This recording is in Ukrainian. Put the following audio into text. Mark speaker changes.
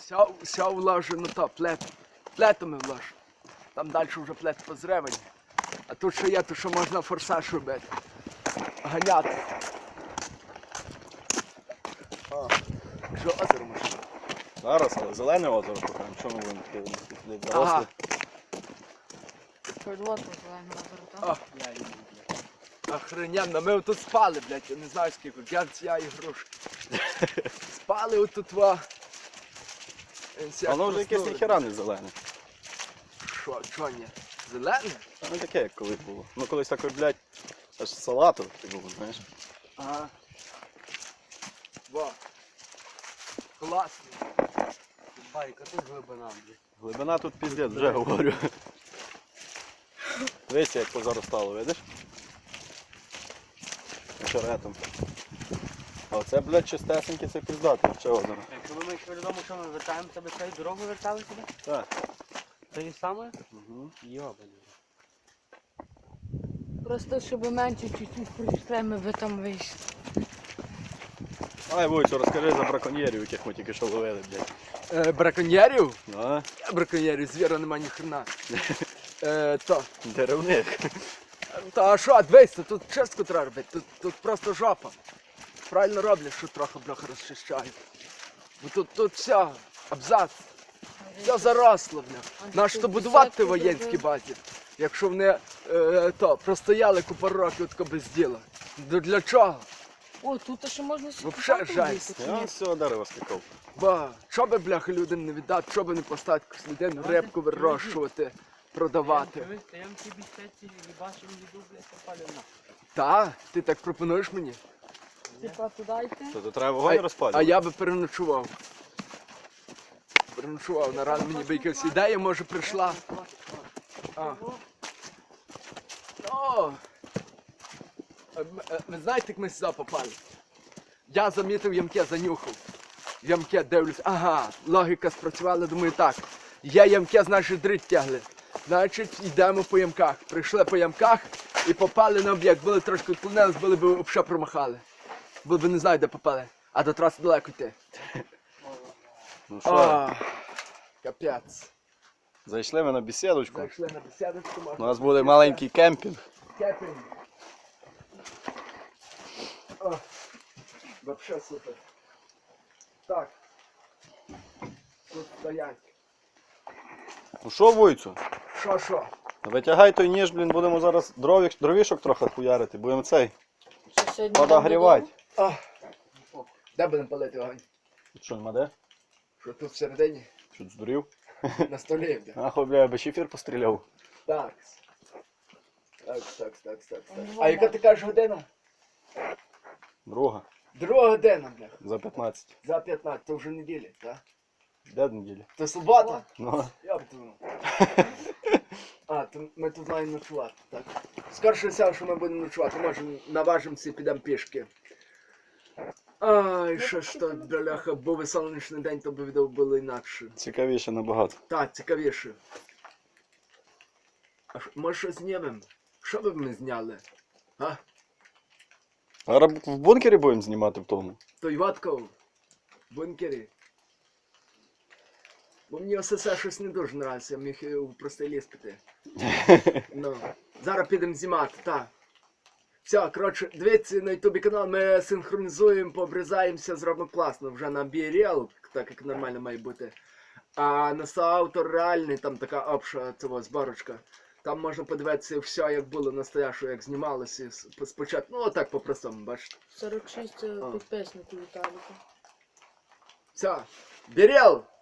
Speaker 1: Все вложу на то, плетами вложу. Там далі вже плет позревані. А тут ще є, то що можна форсаж робити. Ганяти. Що озеро можна?
Speaker 2: Зараз, але зелене озеро покажемо. Що ми будемо таке дорослі?
Speaker 1: Ага.
Speaker 3: Перелотно зеленого озеро, так?
Speaker 1: Охрененно, ми отут спали, блядь, я не знаю скільки, я і грушки. Спали отут ва.
Speaker 2: Воно вже якесь ніхера не зелене.
Speaker 1: Що ні? Зелене?
Speaker 2: Не таке, як колись було. Ну колись такий, блядь, аж салату було, знаєш.
Speaker 1: Ага. Во. Класно.
Speaker 4: Байка, тут глибина, блядь.
Speaker 2: Глибина тут піздець, вже говорю. Дивись, як позаростало, видиш? Очеретом. А оце, блядь, чистесеньке, це піздати. Що озеро?
Speaker 4: Якщо ви йшли додому, що ми вертаємо, тебе цією дорогою вертали сюди?
Speaker 2: Так.
Speaker 4: Те ж саме?
Speaker 2: Угу.
Speaker 4: Йобаний.
Speaker 3: Просто щоб менше чуть-чуть прийшли, ми би там вийшли.
Speaker 2: Ай, Войцю, розкажи за браконьєрів, яких ми тільки що ловили, блядь.
Speaker 1: Браконьєрів?
Speaker 2: А?
Speaker 1: Браконьєрів, звіра нема ні хрена. То.
Speaker 2: Деревник.
Speaker 1: Та що, дивись, тут чистку треба робити, тут просто жопа. Правильно роблять, що трохи бляха розчищають. Бо тут все, абзац. Все заросло, бля. Нащо будувати в воєнській базі, якщо вони простояли купа років тако без діла. Для чого?
Speaker 3: О, тут ще можна
Speaker 1: Вообще жесть.
Speaker 2: Я з цього дерева скакав.
Speaker 1: Ба, що би, бляха, людям не віддати, що би не поставити якусь людину, рибку вирощувати, продавати.
Speaker 4: Я вам ті бістеці і бачимо їду, блядь, попали на.
Speaker 1: Та, ти так пропонуєш мені?
Speaker 3: Типа туди йти?
Speaker 2: То треба вогонь
Speaker 1: А
Speaker 2: розпалювати.
Speaker 1: я би переночував. Переночував, на рано мені би якась ідея, може, прийшла. А. О! Ви знаєте, як ми сюди попали? Я замітив ямке, занюхав. Ямке дивлюсь, ага, логіка спрацювала, думаю, так. Є ямке, значить дрить тягли. Значить, йдемо по ямках. Прийшли по ямках і попали на об'єкт. Були трошки відклонились, були б взагалі промахали. Були б не знаю, де попали. А до траси далеко йти.
Speaker 2: Ну що,
Speaker 1: О, капець.
Speaker 2: зайшли ми на бесідочку.
Speaker 1: Зайшли на бесідочку.
Speaker 2: У нас буде маленький кемпінг.
Speaker 1: Кепінг. О, вообще супер. Так. Тут стоять.
Speaker 2: Ну що, Войцю?
Speaker 1: Що?
Speaker 2: Витягай той ніж, блін, будемо зараз дровішок трохи хуярити. Будемо цей
Speaker 3: Що сьогодні
Speaker 2: подогрівати.
Speaker 1: А, де будемо палити вогонь?
Speaker 2: Що, нема де?
Speaker 1: Що тут всередині?
Speaker 2: Що, здурів?
Speaker 1: На столі. Де?
Speaker 2: Ахуй, бля, я би шифер постріляв.
Speaker 1: Так. Так. А яка ти кажеш година?
Speaker 2: Друга.
Speaker 1: Друга година, бля.
Speaker 2: За 15.
Speaker 1: За 15, то вже неділя, так?
Speaker 2: Де неділя?
Speaker 1: То субота?
Speaker 2: Ну.
Speaker 1: Я б думав. А, то ми тут маємо ночувати, так? Скорше все, що ми будемо ночувати, може наважимося і підемо пішки. Ай, що ж то, бляха, був би сонячний день, то б відео було інакше.
Speaker 2: Цікавіше набагато.
Speaker 1: Так, цікавіше. А може щось знімемо? Що би ми зняли? А?
Speaker 2: Зараз в бункері будемо знімати в тому.
Speaker 1: Той ватков в бункері. Бо мені ОСС щось не дуже нравиться, я міг у простий ліс піти. Ну, зараз підемо знімати, так. Все, коротше, дивіться на ютубі канал, ми синхронізуємо, пообрізаємося, зробимо класно, вже на BeReal, так як нормально має бути. А на соавтор реальний, там така обща цього зборочка. Там можна подивитися все, як було настоящого, як знімалося спочатку. Ну, отак по-простому, бачите.
Speaker 3: 46 підписників Віталіка.
Speaker 1: Все, BeReal!